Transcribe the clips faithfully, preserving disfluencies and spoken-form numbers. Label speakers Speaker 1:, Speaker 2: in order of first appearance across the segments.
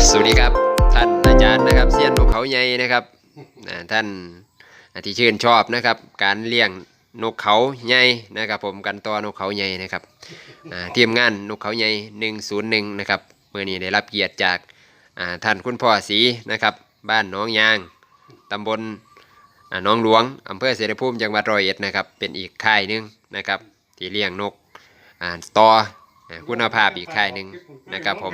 Speaker 1: สวัสดีครับท่านอาจารย์นะครับเซียนนกเขาใหญ่นะครับท่านที่ชื่นชอบนะครับการเลี้ยงนกเขาใหญ่นะครับผมกันตัวนกเขาใหญ่นะครับทีมงานนกเขาใหญ่หนึ่งศูนย์หนึ่งนะครับเมื่อนี้ได้รับเกียรติจากท่านคุณพ่อศรีนะครับบ้านน้องยางตำบลน้องหลวงอำเภอเสรภูมิจังหวัดร้อยเอ็ดนะครับเป็นอีกค่ายหนึ่งนะครับที่เลี้ยงนกต่อคุณภาพอีกค่ายหนึ่งนะครับผม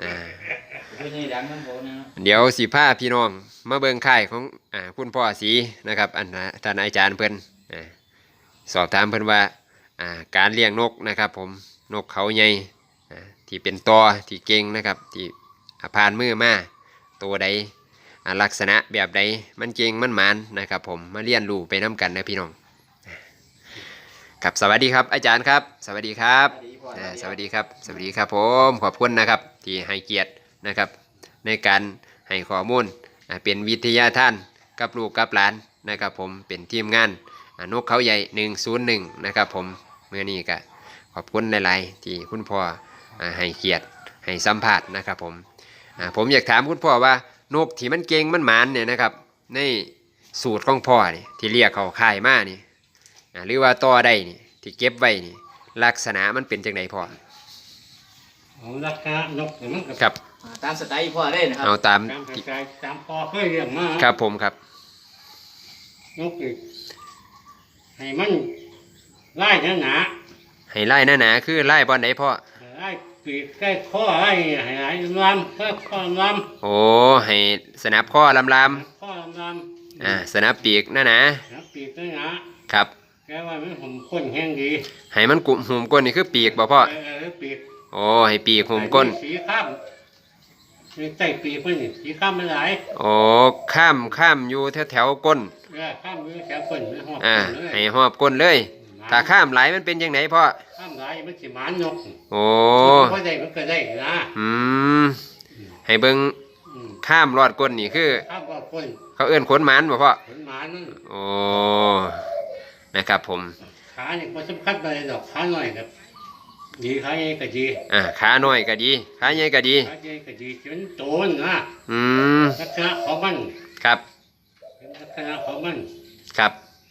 Speaker 1: เดี๋ยวสิพาพี่น้องมาเบิ่งค่ายของอ่าคุณพ่อศรีนะครับอันท่านอาจารย์เพิ่นสอบถามเพิ่นว่าอ่าการเลี้ยงนกนะครับผมนกเขาใหญ่ที่เป็นตอที่เก่งนะครับที่ผ่านมือมาตัวใดลักษณะแบบใดมันเก่งมันหมานนะครับผมมาเรียนรู้ไปน้ากันนะพี่น้องครับสวัสดีครับอาจารย์ครับสวัสดีครับสวัสดีครับสวัสดีครับผมขอบคุณนะครับที่ให้เกียรตินะครับในการให้ข้อมูลเป็นวิทยาทานกับลูกกับหลานนะครับผมเป็นทีมงานนกเขาใหญ่หนึ่งศูนย์หนึ่งนะครับผมเมื่อนี้ก็ขอบคุณหลายๆที่คุณพ่อให้เกียรติให้สัมภาษณ์นะครับผมผมอยากถามคุณพ่อว่านกที่มันเก่งมันหมานเนี่ยนะครับในสูตรของพ่อนี่ที่เรียกเขาค่ายมานี่หรือว่าต่อได้นี่ที่เก็บไว้นี่ลักษณะมันเป็นจังไดพ่อ
Speaker 2: ลักษณะนกมันก็
Speaker 1: ครับ
Speaker 3: ตามสไตล์พ่อได้นะครับ
Speaker 1: เอาตาม
Speaker 2: ตามสไตล์ตามพ่อเคยเลี้ยงมา
Speaker 1: ครับผมครับ
Speaker 2: นกอีกให้มันไล่หนา
Speaker 1: ให้ไล่หนาๆคือไล่บอลไหนพ่อ
Speaker 2: ไล่ปีกใกล้ข้อไล่ให้ไล่ลำเพื่อข้อล
Speaker 1: ำโอ้ให้สนับข้อลำล
Speaker 2: ำข้อลำล
Speaker 1: ำอ่าสนับปีกหนาหนา
Speaker 2: สนับปีกหนาหนา
Speaker 1: ครับ
Speaker 2: แกว่ามันหุ่มก้นแห้งดี
Speaker 1: ให้มันกุ่มหุ่มก้นนี่คือปีกบ่พ่อ
Speaker 2: เออปีก
Speaker 1: โอ้ให้ปีกหุ่มก้น
Speaker 2: สีข้ามมีใต้ปีกมันนี่สีข้ามมันหลาย
Speaker 1: โอ้ข้ามข้ามอยู่แถวแถวก้น
Speaker 2: เออข้ามอยู่แถวก้นไม่หอบ
Speaker 1: อ่าให้หอบก้นเลยถ้าข้ามไหลมันเป็นยังไงพ่อ
Speaker 2: ข้ามไหลมันสิหมานนก
Speaker 1: โอ้
Speaker 2: พอได้มันก็ได้นะ
Speaker 1: อืมให้เบิ่งข้ามรอดก้นนี่คือ
Speaker 2: ข้ามรอดก้น
Speaker 1: เขาเอื้อนขนหมานบ่พ่อ
Speaker 2: ขนหมานนั่น
Speaker 1: โอ้นะครับผม
Speaker 2: ขาเนี่ยมันสำคัญไปดอกขาหน่อยครับดีขาใหญ่ก็ดี
Speaker 1: อ่าขาหน่อยก็ดีขาใหญ่ก็ดี
Speaker 2: ขาใหญ่ก็ดีจนโตนะ
Speaker 1: อืม
Speaker 2: ลักษณะของมัน
Speaker 1: ครับ
Speaker 2: ลักษณะของมัน
Speaker 1: ครับ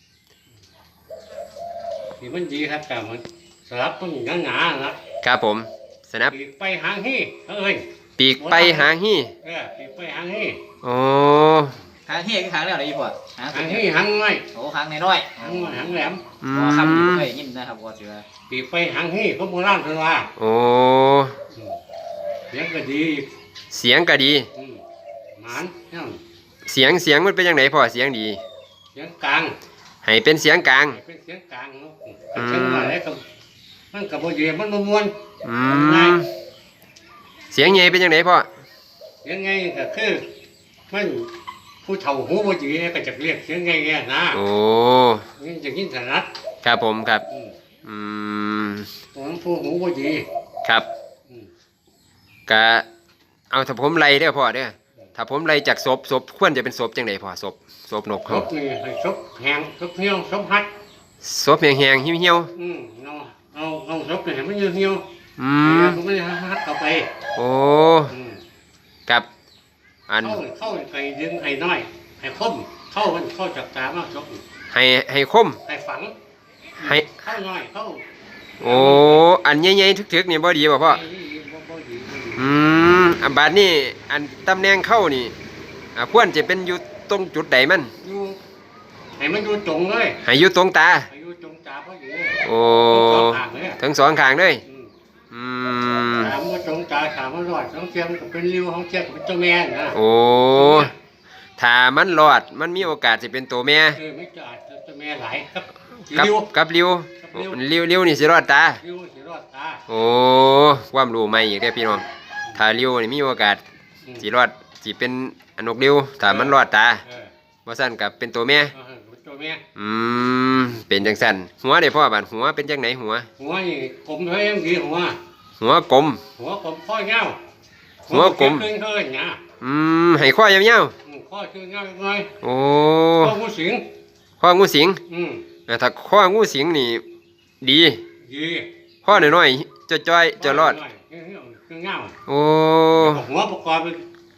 Speaker 2: ที่มันดีครับแต่มันสลับมันหนาหนา
Speaker 1: ครับผมสนับ
Speaker 2: ปีกไปหางฮี่เอ้ย
Speaker 1: ปีกไปหางฮี่
Speaker 2: เออปีกไปหางฮี่
Speaker 1: โอ้
Speaker 3: หางเฮียคือหางอะไรพ่อ
Speaker 2: หางฮี่หางน้อย
Speaker 3: โอ้หางน้อย
Speaker 2: หางหางแหลม
Speaker 3: พอคำนี้ไม่ยินนะครับพ่อเสือ
Speaker 2: ปีกไปหางฮี่เขาโบราณเพิ่นว่า
Speaker 1: โอ้
Speaker 2: เสียงก็ดี
Speaker 1: เสียงก็ดี
Speaker 2: หมาน
Speaker 1: เสียงเสียงมันเป็นยังไงพ่อเสียงดี
Speaker 2: เสียงกลาง
Speaker 1: ให้เป็นเสียงกลาง
Speaker 2: เป็นเสียงกลางเนาะเสียงน้อยแล้วก็มันกับโบเยมันม้วน
Speaker 1: อืมเสียงใหญ่เป็นยังไงพ่อ
Speaker 2: เสียงไงก็คือมันผู้เฒ่าหูโบเยก็จะเรียกเสียงไงแง่นะ
Speaker 1: โอ้
Speaker 2: นี่จะยินถนัด
Speaker 1: ครับผมครับอืม
Speaker 2: ผมผู้หูโบเย
Speaker 1: ครับกะเอาถ้าผมไล่เด้อพ่อเด้อถ้าผมไล่จากศพศพควรจะเป็นศพจังไดพ่อศพศพนกเขา
Speaker 2: ศพนี่ให้ศพแห้งศพเหี่ยวศพฮัด
Speaker 1: ศพแห้งๆเหี่ยว
Speaker 2: ๆอืมเอาเอาเอาศพนี่ให้มันเหี่ยว
Speaker 1: ๆอืม
Speaker 2: มันไม่ฮัดเข้าไป
Speaker 1: โอ้กับอัน
Speaker 2: เข้าเข้าไปดึงให้น้อยให้คมเข้ามันเข้าจากตามากศพ
Speaker 1: ให้ให้คม
Speaker 2: ให้ฝัง
Speaker 1: ให้
Speaker 2: เข้าน้อยเข้า
Speaker 1: โอ้อันใหญ่ๆทึกๆนี่บ่ดีบ่พ่ออืมอันบาดนี้อันตำแหน่งเข้านี่อ่าควรจะเป็นอยู่ตรงจุดใดมัน
Speaker 2: อยู่ให้มันอยู่ตรงเลย
Speaker 1: ให้อยู่ตรงตา
Speaker 2: ให้อยู่ตรงตาเพราะอยู่
Speaker 1: โอ้ทั้งสองข้างเลยอืม
Speaker 2: ถามว่าตรงตาถามว่ารอดท้องเทียมกับเป็นริ้วท้องเทียมกับเป็นเจ้าแม่นะ
Speaker 1: โอ้ถ้ามันรอดมันมีโอกาสจะเป็นตัวแม่
Speaker 2: เออไม่จะอาจจะแม่หลายครับ
Speaker 1: กับกับริ้วริ้วริ้วนี่สิรอดตา
Speaker 2: ริ้วสิรอดตา
Speaker 1: โอ้ความรู้ใหม่อีกแล้วพี่น้องถ้าริ้วนี่มีโอกาสสิรอดสิเป็นอนกริ้วถ้ามันรอดตาบ่สั่นกับเป็นตัวแม่
Speaker 2: ตัวแม่
Speaker 1: อืมเป็นจังสั่นหัวเด้พ่อบาดหัวเป็นจังไหนหัว
Speaker 2: หัวนี่กลมเท่ายังดีหัว
Speaker 1: หัวกลม
Speaker 2: หัวกลมข้อเงา
Speaker 1: หัวกลม
Speaker 2: ขึ้นเคยเนี่ย
Speaker 1: อืมให้ข้อยาว
Speaker 2: ๆข้อชื่อเงาหน่อย
Speaker 1: โอ้
Speaker 2: ข้องูสิง
Speaker 1: ข้องูสิง
Speaker 2: อืม
Speaker 1: ถ้าข้องูสิงนี่ดี
Speaker 2: ดี
Speaker 1: ข้อน้อยๆจะจ้อยจะรอดโอ้
Speaker 2: หัวประกอบ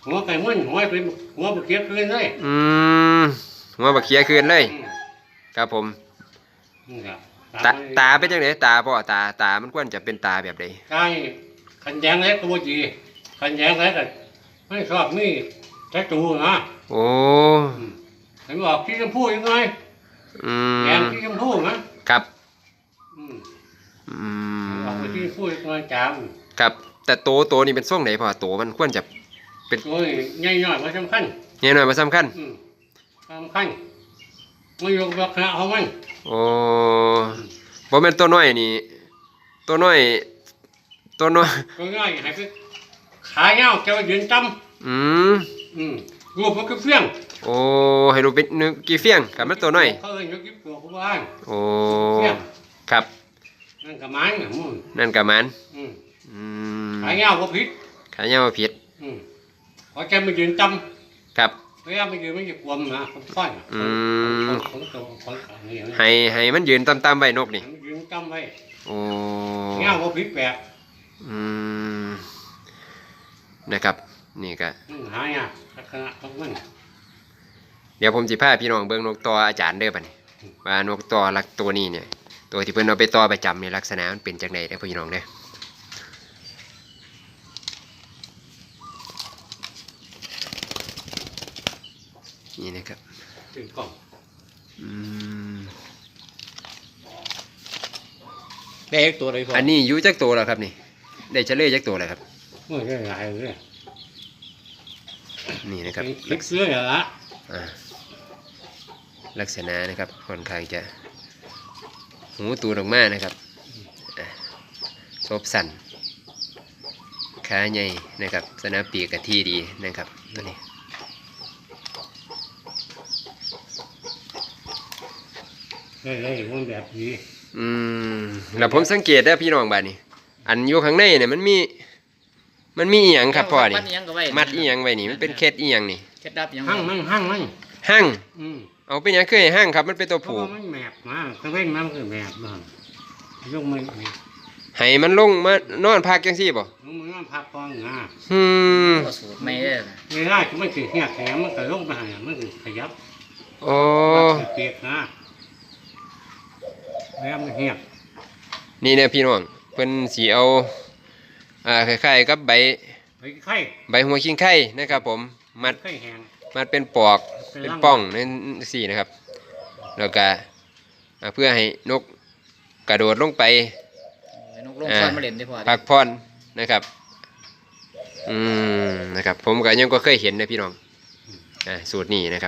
Speaker 2: หัวไก่ม้วนหัวเป็นหัวบกเคี้ยคืนเลย
Speaker 1: อืมหัวบักเขียคืนเลย
Speaker 2: อืม
Speaker 1: ครับผม
Speaker 2: นี่ครับ
Speaker 1: ตาตาเป็นจังไดตาพ่อตาตามันควรจะเป็นตาแบบใด
Speaker 2: ใช่ขันแยงเล็กก็บ่ดีขันแยงเล็กก็ไม่ชอบมีแท้ตูนะ
Speaker 1: โอ้
Speaker 2: อืมเห็นบอกที่ชมพูยังไง
Speaker 1: อื
Speaker 2: แยง
Speaker 1: ม
Speaker 2: ที่ชมพูนะครับ อืม
Speaker 1: อื
Speaker 2: ออกไป
Speaker 1: ม
Speaker 2: ที่ชมพูยังไงจาม
Speaker 1: ครับแต่โตโตนี่เป็นทรงไหนพ่อโตมันควรจะ
Speaker 2: โอ้ยใหญ่หน่อยมาสำคัญ
Speaker 1: ใหญ่หน่อยมาสำคัญ
Speaker 2: อืมสำคัญไม่ยกราคาเอามัน
Speaker 1: โอ้บ่แม่นตัวน้อยนี่ ตัวน้อย ตัวน้อย
Speaker 2: ก็ง่ายให้ไปขาเงาเจ้ายืนจ
Speaker 1: อืม
Speaker 2: ำอืมรูปมันก็เฟี้ยง
Speaker 1: โอ้ให้ดูเป็นนึกกี่เฟียงกับมันตัวน้อย
Speaker 2: เขาเอ้ยยกยิ้มตัวผู้บ้าน
Speaker 1: โอ้
Speaker 2: เฟี้ยง
Speaker 1: ครับ
Speaker 2: นั่นกับมันน่ะมึง
Speaker 1: นั่นกับมัน
Speaker 2: อืม
Speaker 1: อืม
Speaker 2: ขาเงาก็ผิด
Speaker 1: ขายาวบ่ผิด
Speaker 2: อืมพอแกมายืนจ
Speaker 1: ครับ
Speaker 2: ำพยายามมายืนไม่จะกวมนะคนค่อยน่ะ
Speaker 1: อืม
Speaker 2: คนโตคนขานี่นะ
Speaker 1: ให้ให้มันยืนต่ำๆไว้นกนี่
Speaker 2: ให้มันยืนจำไว้
Speaker 1: โอ้
Speaker 2: เงาก็ผิดแปลก
Speaker 1: อืมนะครับ นี่ก็
Speaker 2: อืมหายากลักษณะของมัน
Speaker 1: เดี๋ยวผมสิพาพี่น้องเบิ่งนกต่ออาจารย์เด้อบัดนี้ว่านกต่อลักตัวนี้เนี่ย ตัวที่เพิ่นเอาไปต่อประจำในลักษณะมันเป็นจังไดเด้อพี่น้องเด้อนี่นะครับ
Speaker 2: ถึงกล่อง
Speaker 1: อืม
Speaker 3: ได้อีกตัวเลยพ่อ
Speaker 1: อันนี้อยู่จักตัวแล้วครับนี่ ได้เฉลยจักตัวแล้วครับ
Speaker 2: เมื่อได้หลายเลย
Speaker 1: นี่นะครับ
Speaker 2: คลิกเสื้อเหรอละ
Speaker 1: อ่าลักษณะนะครับค่อนข้างจะหูตูดออกมานะครับอ่ะซบสั่นขาใหญ่นะครับสนามปีกกะที่ดีนะครับตัวนี้
Speaker 2: ได้เลยมันแบบนี้
Speaker 1: อืมแล้วผมสังเกตได้อพี่น้องบ้านนี้ อันอยู่ข้างในเนี่ยมันมี มันมีอีหยังครับพ่อนี่
Speaker 3: มัดอีหยังก็ไว้
Speaker 1: มัดอีหยังไว้นี่มันเป็นเคล็ดอีหยังนี่
Speaker 3: เคล็ดลับอีหยัง
Speaker 2: หั่งมันหั่งมัน
Speaker 1: หั่ง
Speaker 2: อืม
Speaker 1: เอาเป็นหยังเคยหั่งครับมันเป็นตัว
Speaker 2: เพราะ
Speaker 1: ผู
Speaker 2: ว่ามันแมบมาตะเว้นมันคือแมบมากยกมือนี่
Speaker 1: ให้มันลงมานอนพักจังซี่บ่
Speaker 2: ยกมือนั่นพักกองงา
Speaker 1: อืม
Speaker 3: ก็สูตรไม่ได้นะ
Speaker 2: เวลาที่มันคือเหี้ยแข็งมันก็ลงไปหามันคือขยับ
Speaker 1: โอ้
Speaker 2: มันคือเปียกนะแล้วมันเหี้ย
Speaker 1: นี่เนี่ยพี่น้องเพิ่นสิเอาอ่าคล้ายๆกับใบ
Speaker 2: ไปไข่
Speaker 1: ใบหัวคิงไข่นะครับ ผมมัด
Speaker 2: ไข่แห้ง
Speaker 1: มัดเป็นปอกเป็นป้องนั่นสี่นะครับ แล้วก็อ่าเพื่อให้นกกระโดดลงไป
Speaker 3: ไอ้นกลงซ่อนมาเล่นได้พ่อ
Speaker 1: พักผ่อนนะครับ อืมนะครับ ผมก็ยังก็เคยเห็นนะพี่น้องอ่าสูตรนี้นะครับ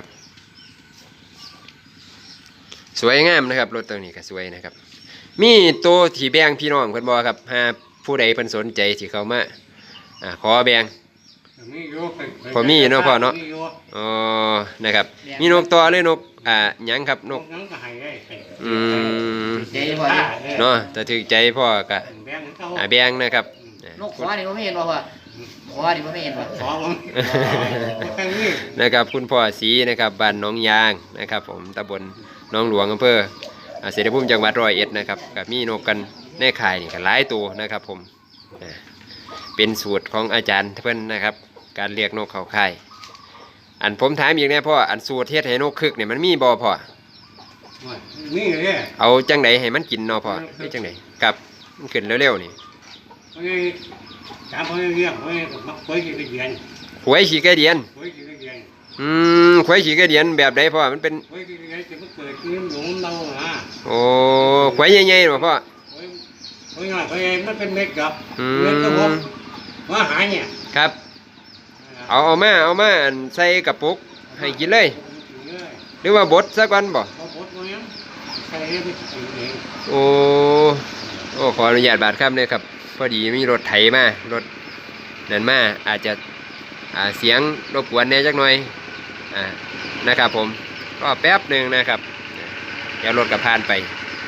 Speaker 1: สวยงามนะครับรถตัวนี้ก็สวยนะครับ มีตัวที่แบ่งพี่น้องเพิ่นบอกครับหาผู้ใดเพิ่นสนใจที่เขามาอ่าขอแบ่ง
Speaker 2: มีอยู่ไปไป
Speaker 1: พอมีอยู่เนาะพ่อเนาะ
Speaker 2: มีอยู่
Speaker 1: อ๋อนะครับ มีนกตัวหรือนกอ่าหยังครับน
Speaker 2: น
Speaker 1: ก
Speaker 2: กนั้นก็ให้ได้ให้
Speaker 1: อืม
Speaker 3: เจ๊พ่อ
Speaker 1: เนาะแต่ถึกใจพ่อก็
Speaker 2: แบ่งให้เขา
Speaker 1: อ่าแบ่งนะครับ
Speaker 3: นกขวานี่บ่ไม่เห็นบ่พ่อขวานี่บ่ไม่เห็นบ่
Speaker 2: ขอผมแค่นี้
Speaker 1: นะครับคุณพ่อศรีนะครับบ้านหน้องยางนะครับ ผมตำบลหน้องหลวงอำเภออ่าเสรภูมิจังหวัดร้อยเอ็ดนะครับกับมีนกกันในข่ายนี่ก็หลายตัวนะครับ ผมอ่าเป็นสูตรของอาจารย์เพิ่นนะครับ การเรียกนกเขาข่ายอันผมถามอีกแน่พ่ออันสูตรเฮ็ดให้นกคึกเนี่ยมันมีบ่พ่อ
Speaker 2: มีเลย
Speaker 1: เอาจังไดให้มันกินเนาะพ่อได้จังไดครับมันขึ้นเร็วๆนี่
Speaker 2: เฮ้ยถามเขาเรื่องเฮ้ยมักคุยกี่เดือน
Speaker 1: หวยขี้ไก่เดียน
Speaker 2: คุยกี่เดือน
Speaker 1: อืมหวยขี้ไก่เดียนแบบใดพ่อมันเป็น
Speaker 2: คุยกี่เดือนจะมาเกิดขึ้นหลงเราอ่ะ
Speaker 1: โอ้หวยใหญ่ๆบ่พ่อ
Speaker 2: คุยคุยหน่อยคุยมันเป็นเม็ดกับ
Speaker 1: อื
Speaker 2: เม็ดก็ผม
Speaker 1: ม
Speaker 2: ว่าหายเนี่ย
Speaker 1: ครับ เอาเอามาเอามาอันใส่กระปุกให้กินเลย หรือว่าบดสักวันบ่
Speaker 2: เอาบดมาเนี่ยใส่ให้ไปกินเอง
Speaker 1: โอ้โอ้ขออนุญาตบาดครับเนี่ยครับพอดีมีรถไถมารถนั่นมาอาจจะอ่าเสียงรบกวนแหน่จักหน่อยอ่านะครับผมก็แป๊บหนึ่งนะครับเดี๋ยวรถกับพานไป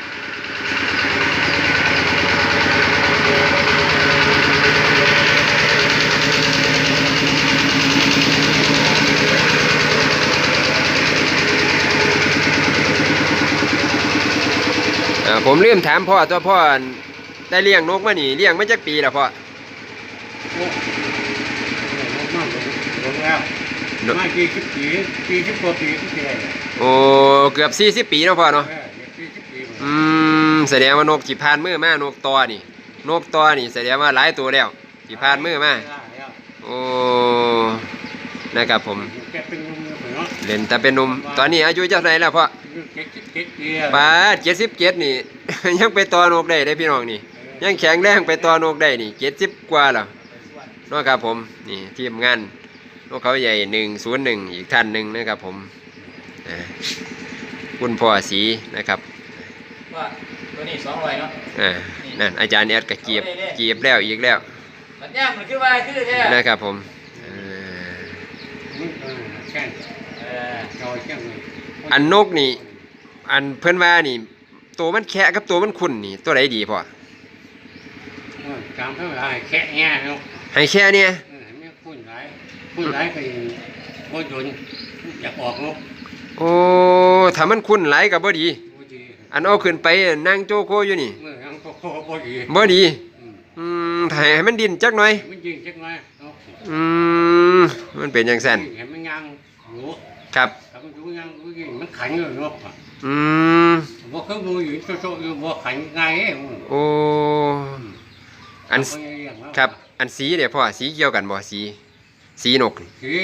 Speaker 1: อ่าผมลืมถามพ่อตัวพ่อได้เลี้ยงนกมานี่เลี้ยงมาจากปีแล้วพ่อ
Speaker 2: โอ้ยลงมาลงลงแรแล้วมากี่สิบปีปีสิบกว่าปีที่ได้
Speaker 1: โอ้เกือบสี่สิบปีเนาะพ่อเนาะ
Speaker 2: เออสี่สิบปี
Speaker 1: อืมแสดงว่านกจีพานมือมานกตอนี่นกตอนี่แสดงว่าหลายตัวแล้วจีพานมือมาโอ้นะครับผม
Speaker 2: แกเป็นเนาะ
Speaker 1: เล่นแต่เป็นหนุ่มตอนนี้อายุเท่าไหร่แล้วพ่อ
Speaker 2: เจ็ดสิบเจ็ดปี
Speaker 1: ป้าเจ็ดสิบเจ็ดนี่ ยังไปต่อนกได้ได้พี่น้องนี่ยังแข็งแรงไปต่อนกได้นี่เจ็ดสิบกว่าแล้วเนาะครับผมนี่ทีมงานนกเขาใหญ่หนึ่งศูนย์หนึ่งอีกท่านหนึ่งนะครับผมอ่าคุณพ่อสีนะครับ
Speaker 3: ว่าตัวนี้สองร้อยเนาะ
Speaker 1: อ่านั่นอาจารย์แอดก็เกียบเกียบแล้วอีกแล้ว
Speaker 3: มันย่างมันคือว่าคือแท้
Speaker 1: นะครับผมอ่า
Speaker 2: แค่
Speaker 3: เออ
Speaker 2: จอยแค่
Speaker 1: อันนกนี่อันเพื่อนว่านี่ตัวมันแค่กับตัวมันขุ่นนี่ตัวไหนดีพ่อ
Speaker 2: จำเท่าไรแค่เงี้ยเนาะ
Speaker 1: ให้แค่เนี่ย
Speaker 2: ไม่พูดไรพูดไรก็ยังโคตรยนอยากออกเนาะ
Speaker 1: โอ้ถ้ามันขุ่นหลายกับบ่ดี
Speaker 2: บ่ดี
Speaker 1: อันเอาขึ้นไปนั่งโจโกอยู่นี่
Speaker 2: เมื่อยังก็บ่ดี
Speaker 1: บ่ดีอืมถ้าให้มันดินจักหน่อย
Speaker 2: มันยิงจักหน่อยเนาะ
Speaker 1: อืมมันเป็นอย่างสั้น
Speaker 2: เห็นมันยังอยู่
Speaker 1: ครับ
Speaker 2: ถ้ามันอยู่ยังมันขันอยู่เนาะ
Speaker 1: อืม
Speaker 2: บ่เคยดูอยู่โซๆอยู่บ่ขันง่ายเอ้
Speaker 1: โอ้อันครับอันสีเดี๋ยวพ่อสีเกี่ยวกันบ่สีสีนกนี่
Speaker 2: สิ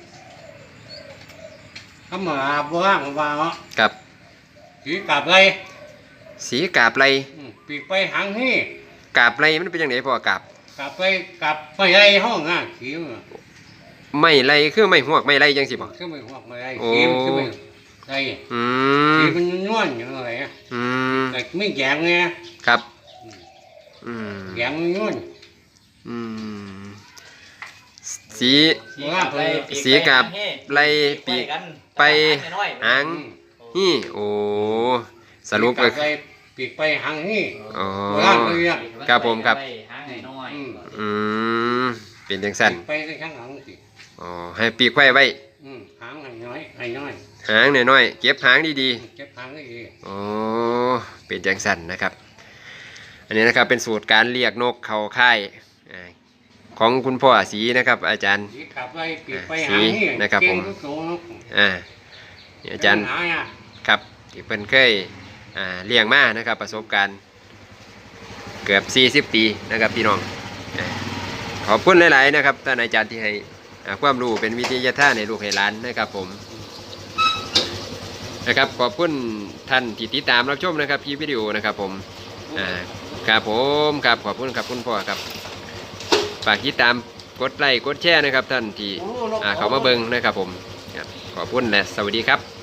Speaker 2: คำว่าบ่ว่างว่าเนาะ
Speaker 1: ครับ
Speaker 2: สิกลับเลย
Speaker 1: สีกาบไร
Speaker 2: ปีกไปหางนี่
Speaker 1: กาบไรมันเป็นยังไงพ่อกาบ
Speaker 2: กลับไปกลับไปไอ้ห้องอ่ะสิ
Speaker 1: ไม่ไรคือไม่หวกไม่ไรจังสิบ่
Speaker 2: คือไม่หอกไม่ไอ้สิคือไม่ไอ้
Speaker 1: อื
Speaker 2: สิ
Speaker 1: ม
Speaker 2: มันนวลอย่างไรอ่ะ
Speaker 1: อืม
Speaker 2: แต่ไม่แยงไง
Speaker 1: ครับอืม
Speaker 2: แยงนวล
Speaker 1: อืมสี
Speaker 2: ว่าไป
Speaker 1: สีกาบไรปีกไปหางนี่โอ้สรุปก็
Speaker 2: ไปปีกไปหางนี่
Speaker 1: อ๋อ
Speaker 2: ว่าไปอ่ะ
Speaker 1: ครับผมครับ
Speaker 3: หางน้อย
Speaker 1: อืมเป็นจังสั้น
Speaker 2: ไปข้างหลังสิ
Speaker 1: อ๋อให้ปีกไว้ไว้
Speaker 2: หางน้อยไอ้น้อย
Speaker 1: หางน้อยๆเก็บหางดี
Speaker 2: เก็บหางได้ดี
Speaker 1: ๆอ๋อเป็นจังสั้นนะครับ อันนี้นะครับเป็นสูตรการเรียกนกเขาค่ายอ่าของคุณพ่อศรีนะครับ อาจารย์
Speaker 2: สีกลับไปปีกไปหางนี่
Speaker 1: นะครับผม
Speaker 2: เก่งทุกตัว
Speaker 1: อ่านี่อาจารย์
Speaker 2: หางอ่ะ
Speaker 1: ครับที่เพิ่นเคยอ่าเลี้ยงมานะครับ ประสบการณ์เกือบสี่สิบปีนะครับพี่น้องอ่าขอบคุณหลายๆนะครับท่านอาจารย์ที่ให้อ่าความรู้เป็นวิทยาทานในลูกให้หลานนะครับผมนะครับขอบคุณท่านที่ติดตามรับชมนะครับคลิปวิดีโอนะครับผมอ่าครับผมครับขอบคุณครับคุณพ่อครับฝากติดตามกดไลค์กดแชร์นะครับท่านที่อ่าเขามาเบิ่งนะครับผมครับขอบคุณและสวัสดีครับ